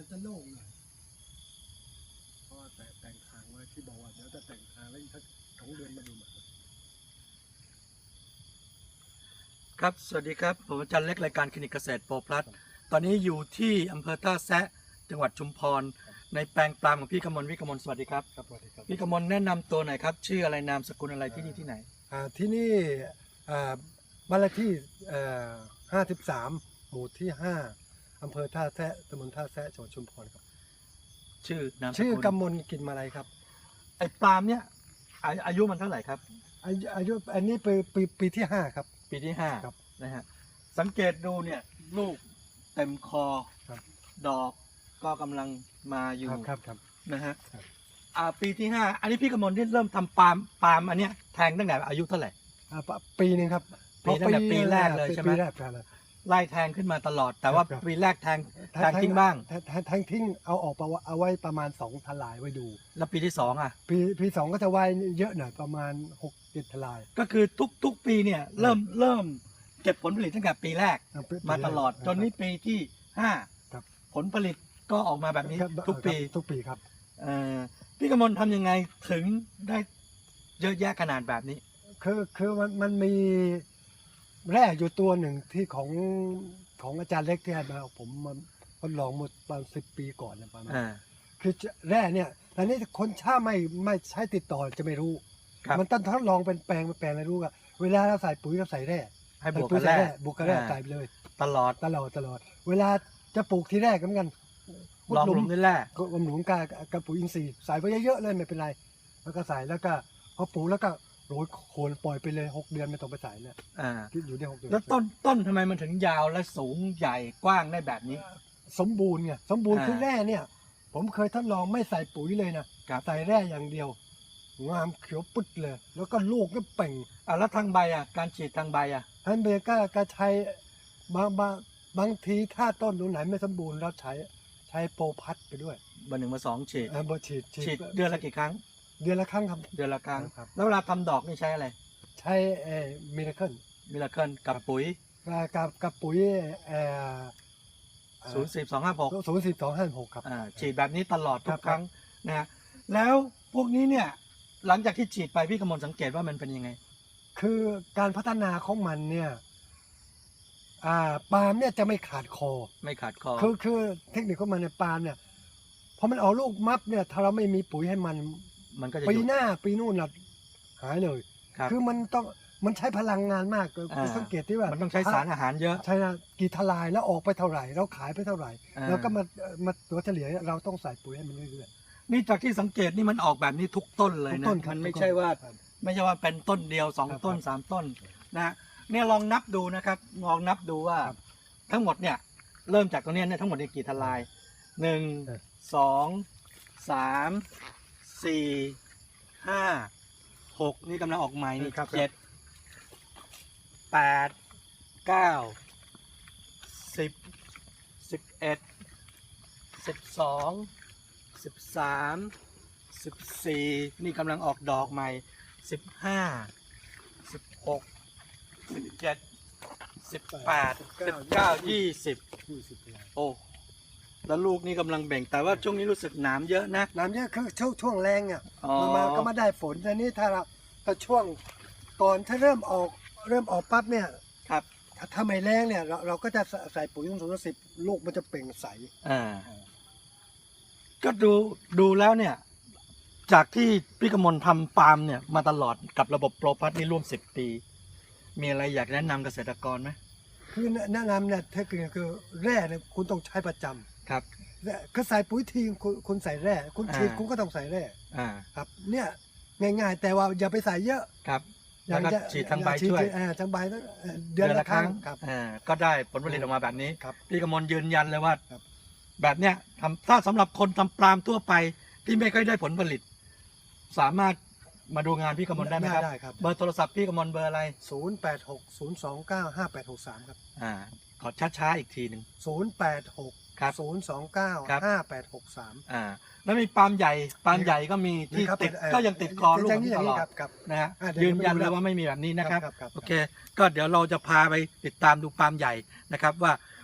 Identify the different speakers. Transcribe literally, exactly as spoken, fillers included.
Speaker 1: จะโล่งหน่อยเพราะว่าแต่แต่งทางไว้ที่บอกว่าเดี๋ยวจะแต่งทางแล้วอีกสักสองเดือนมาดูใหม่
Speaker 2: ครับสวัสดีครับผมอาจารย์เล็กรายการคลินิกเกษตรโปรพลัสตอนนี้อยู่ที่อำเภอท่าแซะจังหวัดชุมพรในแปลงปาล์มของพี่กมลพี่กมลสวัสดีครับ
Speaker 1: ครับสวัสดีครับ
Speaker 2: พี่กมลแนะนำตัวหน่อยครับชื่ออะไรนามสกุลอะไรที่นี่ที่ไหน
Speaker 1: อ่าที่นี่อ่าบ้านเลขที่ห้าสิบสามหมู่ที่ห้าอำเภอท่าแซะตำบลท่าแซะจังหวัดชุมพรครับ
Speaker 2: ชื่อนามสกุล
Speaker 1: ชื่อกำมลกินมาลัยครับ
Speaker 2: ไอ้ปาล์มเนี่ยอาอายุมันเท่าไหร่ครับ
Speaker 1: อายุอายุอันนี้ปีปีปีที่ห้าครับ
Speaker 2: ปีที่ห้า
Speaker 1: ครับ
Speaker 2: นะฮะสังเกตดูเนี่ยลูกเต็มคอ
Speaker 1: ครับ
Speaker 2: ดอกก็กำลังมาอยู่
Speaker 1: ครับครับครับ
Speaker 2: นะฮะ
Speaker 1: ครับ
Speaker 2: อ่าปีที่ห้าอันนี้พี่กมลที่เริ่มทำปาล์มปาล์มอันเนี้ยแทงตั้งแต่อายุเท่าไหร่
Speaker 1: อ่าปปีหนึงครับ
Speaker 2: ปีตั้งแต่ปีแรกเลยใช่ไหม
Speaker 1: ปีแรกใช่เลย
Speaker 2: ไล่แทงขึ้นมาตลอด แต่ว่า
Speaker 1: ครับ
Speaker 2: ปีแรกแทงแทงทิ้งบ้าง
Speaker 1: แทแทแทงทิ้งเอาออกไปเอาไว้ประมาณสองทลายไว้ดู
Speaker 2: แล้วปีที่สองอ่ะ
Speaker 1: ปีปีสองก็จะไว้เยอะหน่อยประมาณหกเจ็ดทลาย
Speaker 2: ก็คือทุกทุกปีเนี่ยเริ่มเริ่มเก็บผลผลิตตั้งแต่ปีแรก
Speaker 1: อ่ปี
Speaker 2: มาตลอด
Speaker 1: ปีแรก
Speaker 2: จนนี้ปีที่ห้า
Speaker 1: ครับ
Speaker 2: ผลผลิตก็ออกมาแบบนี้
Speaker 1: ครับ
Speaker 2: ทุกปี
Speaker 1: ครับทุกปีครับ
Speaker 2: เอ่อพี่กมลทำยังไงถึงได้เยอะแยะขนาดแบบนี้
Speaker 1: คือคือมันมันมีแร่อยู่ตัวหนึ่งที่ของของอาจารย์เล็กที่ให้มาผมมันทดลองหมดประมาณสิบปีก่อนนะประมาณ
Speaker 2: อ่า
Speaker 1: คือแร่เนี่ยแต่นี่คนถ้าไม่ไม่ใช้ติดต่อจะไม่รู้
Speaker 2: ครับ
Speaker 1: มันต้องทดลองเป็นแปลงเป็นแปลงเลยรู้ว่าเวลาเราใส่ปุ๋ยเราใส่แร่
Speaker 2: ให้บวก
Speaker 1: ปุ๋
Speaker 2: กั
Speaker 1: ย
Speaker 2: น
Speaker 1: ใส่
Speaker 2: แรก
Speaker 1: บวกกับแร่
Speaker 2: อ่า
Speaker 1: ใส่ไปเลย
Speaker 2: ตลอด
Speaker 1: ตลอดตลอด เวลาจะปลูกทีแรกก็เหมือนกัน
Speaker 2: ลอง
Speaker 1: ขุดห
Speaker 2: ล
Speaker 1: ลุ
Speaker 2: ง
Speaker 1: ม
Speaker 2: ด้วยแร่
Speaker 1: ก็ลำหลุมกับกับปุ๋ยอินทรีย์ใส่ไปเยอะๆเลยไม่เป็นไร แล้วก็ใส่แล้วก็พอปลูกแล้วก็โรยโคนปล่อยไปเลยหกเดือนไม่ต้องไปใส่เลย
Speaker 2: อ่า
Speaker 1: อยู่ได้หกเดือน
Speaker 2: แล้วต้นต้นทำไมมันถึงยาวและสูงใหญ่กว้างได้แบบนี้
Speaker 1: สมบูรณ์ไงสมบูรณ์
Speaker 2: อ่า
Speaker 1: คือแร่เนี่ย ผมเคยทดลองไม่ใส่ปุ๋ยเลยนะครับ ใส่แร่อย่างเดียวงามเขียวปึ๊ดเลย แล้วก็ลูกก็เป่ง
Speaker 2: อ่าแล้วทางใบอ่ะการฉีดทางใบอ่ะ
Speaker 1: ท่านเบก็ก็ใช้บางบางบางทีถ้าต้นตรงไหนไม่สมบูรณ์เราใช้ใช้โปรพัดไปด้วย
Speaker 2: เบอร์หนึ่งเบอร์สองฉีด
Speaker 1: เออบ่ฉีด
Speaker 2: ฉีดเดือนละกี่ครั้ง
Speaker 1: เดือนละครั้งครับ
Speaker 2: เดือนละครั้ง
Speaker 1: ครับ
Speaker 2: แล้วเวลาทำดอกนี่ใช้อะไร
Speaker 1: ใช้เอ่อมิราเคิล
Speaker 2: มิราเคิลกับปุ๋ย
Speaker 1: กับกับปุ๋ยเอ่อ
Speaker 2: ศูนย์สิบสองห้าหก
Speaker 1: ศูนย์สิบสองห้าหกครับ
Speaker 2: อ่าฉีดแบบนี้ตลอดทุ
Speaker 1: ครั
Speaker 2: ก
Speaker 1: บ
Speaker 2: ครั้งนะฮะแล้วพวกนี้เนี่ยหลังจากที่ฉีดไปพี่กมลสังเกตว่ามันเป็นยังไง
Speaker 1: คือการพัฒนาของมันเนี่ยอ่าปาล์มเนี่ยจะไม่ขาดคอ
Speaker 2: ไม่ขาดคอ
Speaker 1: คือคือเทคนิคของมันในยปาล์มเนี่ยพอมันออกลูกมับเนี่ยถ้าเราไม่มีปุ๋ยให้มัน
Speaker 2: มันก็จะห
Speaker 1: ปี
Speaker 2: ยุด
Speaker 1: หน้าปีนู่นน่ะหายเลย
Speaker 2: ครับ
Speaker 1: คือมันต้องมันใช้พลังงานมาก
Speaker 2: อ่า
Speaker 1: สังเกตที่ว่า
Speaker 2: มันต้องใช้สารอาหารเยอะ
Speaker 1: ใช่นะกี่ทลายแล้วออกไปเท่าไหร่เราขายไปเท่าไหร่
Speaker 2: อ่า
Speaker 1: แล้วก็มามาตัวเฉลี่ยเราต้องใส่ปุ๋ยให้มันเรื่อย
Speaker 2: นี่จากที่สังเกตนี่มันออกแบบนี้ทุกต้นเลย
Speaker 1: ทุก
Speaker 2: นะ
Speaker 1: ต้นครับ
Speaker 2: มันไม่
Speaker 1: ทุกต้น
Speaker 2: ใช่ว่า
Speaker 1: ครับ
Speaker 2: ไม่ใช่ว่าเป็นต้นเดียวสอง
Speaker 1: ครับ
Speaker 2: ต้น
Speaker 1: ครับ
Speaker 2: สามต้นนะฮะเนี่ยลองนับดูนะครับลองนับดูว่า
Speaker 1: ครับ
Speaker 2: ทั้งหมดเนี่ยเริ่มจากตรงเนี้ยเนี่ยทั้งหมดเนี่ยกี่ทลายหนึ่ง
Speaker 1: เออ
Speaker 2: สองสามสี่ห้าหกนี่กำลังออกใหม่นี่
Speaker 1: ครับ
Speaker 2: เจ็ดแปดเก้าสิบสิบเอ็ดสิบสองสิบสามสิบสี่นี่กำลังออกดอกใหม่สิบห้าสิบหกสิบเจ็ดสิบแปดสิบเก้ายี่สิบ
Speaker 1: ยี่สิบทลาย
Speaker 2: โอ้แล้วลูกนี่กำลังเบ่งแต่ว่าช่วงนี้รู้สึกหนามเยอะนะ
Speaker 1: น้ำเยอะคือช่วงช่วงแรงอ่ะ
Speaker 2: อ๋อ
Speaker 1: มันมาก็มาได้ฝนแต่นี่ถ้าเราถ้าช่วงก่อนถ้าเริ่มออกเริ่มออกปั๊บเนี่ย
Speaker 2: ครับ
Speaker 1: ถ้าถ้าไม่แรงเนี่ยเราเราก็จะใส่ปุ๋ยศูนย์สิบลูกมันจะเปล่งใส
Speaker 2: อ่าก็ดูดูแล้วเนี่ย จากที่พี่กมลทำฟาร์มเนี่ยมาตลอดกับระบบโปรพัทนี่ร่วมสิบปี มีอะไรอยากแนะนำเกษตรกรไหม
Speaker 1: คือแนะนำเนี่ยเทคนิคคือแร่เนี่ยคุณต้องใช้ประจำ
Speaker 2: ครับ
Speaker 1: แร่คือใส่ปุ๋ยทีคุณคุณใส่แร่คุณฉีด
Speaker 2: อ่า
Speaker 1: คุณก็ต้องใส่แร่
Speaker 2: อ่า
Speaker 1: ครับ เนี่ยง่ายๆ แต่ว่าอย่าไปใส่เยอะ
Speaker 2: ครับแล้วก็
Speaker 1: จะ
Speaker 2: ฉีดทางใบ
Speaker 1: ฉีด
Speaker 2: ช่วย
Speaker 1: อ่าทางใบต้องเดือนละครั้งครับ
Speaker 2: อ่าก็ได้ผลผลิตออกมาแบบนี้
Speaker 1: ครับ
Speaker 2: พี่กมลยืนยันเลยว่า
Speaker 1: ครับ
Speaker 2: แบบเนี้ยทำถ้าสำหรับคนทำปาล์มทั่วไปที่ไม่ค่อยได้ผลผลิต สามารถมาดูงานพี่กมลได้ไหมครับ
Speaker 1: ได้ครับ
Speaker 2: เบอร์โทรศัพท์พี่กมลเบอร์อะไร
Speaker 1: ศูนย์แปดหกศูนย์สองเก้าห้าแปดหกสามครับ
Speaker 2: อ่าขอช้าๆอีกทีหนึ่ง
Speaker 1: ศูนย์แปดหก
Speaker 2: ครับ
Speaker 1: ศูนย์สองเก้า
Speaker 2: ครับ
Speaker 1: ห้าแปดหกสาม
Speaker 2: อ่าแล้วมีปาล์มใหญ่ปาล์มใหญ่ก็มีที่ติดก็ยังติดคอลูก
Speaker 1: อย่าง
Speaker 2: นี้
Speaker 1: นี้อ
Speaker 2: ต
Speaker 1: ย่าง
Speaker 2: ล
Speaker 1: นี้
Speaker 2: อด
Speaker 1: ครับครับ
Speaker 2: นะฮะ
Speaker 1: อ่าเดี๋ยว
Speaker 2: ยืนยัน
Speaker 1: ผมดู
Speaker 2: เลยว่าไม่มีแบบนี้นะครับ
Speaker 1: ครับครับ
Speaker 2: โอเค ก็เดี๋ยวเราจะพาไปติดตามดูปาล์มใหญ่นะครับว่า